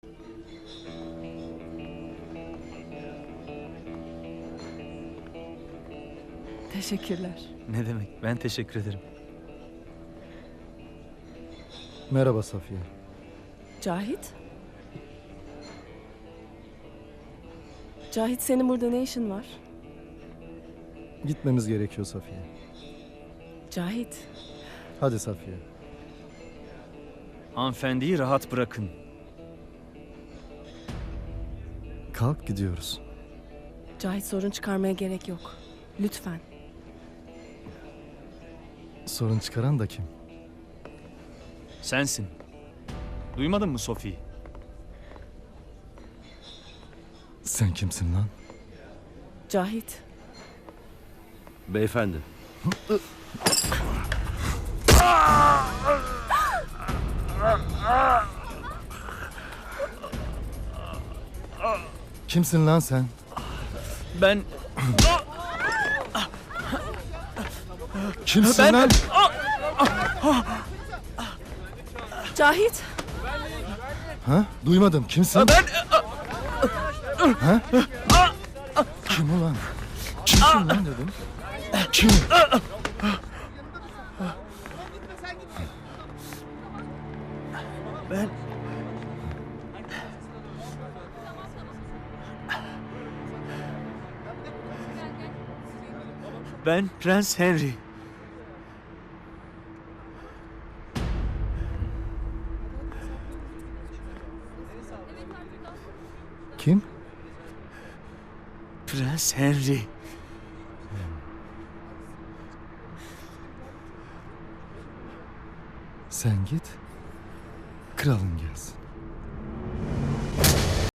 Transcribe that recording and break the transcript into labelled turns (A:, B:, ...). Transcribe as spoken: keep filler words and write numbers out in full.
A: Teşekkürler.
B: Ne demek? Ben teşekkür ederim.
C: Merhaba Safiye.
A: Cahit? Cahit, senin burada ne işin var?
C: Gitmemiz gerekiyor Safiye.
A: Cahit,
C: Hadi Safiye.
B: Hanımefendiyi rahat bırakın.
C: Kalk gidiyoruz.
A: Cahit sorun çıkarmaya gerek yok. Lütfen.
C: Sorun çıkaran da kim?
B: Sensin. Duymadın mı Sophie?
C: Sen kimsin lan?
A: Cahit,
D: Beyefendi.
C: Kimsin lan sen?
B: Ben...
C: Kimsin
B: Ben-
C: lan?
A: Cahit,
C: Ha? Duymadım. Kimsin?
B: Ben...
C: Ha? Kim ulan? Kimsin lan dedim. Kim?
B: Ben... Ben Prens Henry.
C: Kim?
B: Prens Henry.
C: Sen git. Kralın gelsin.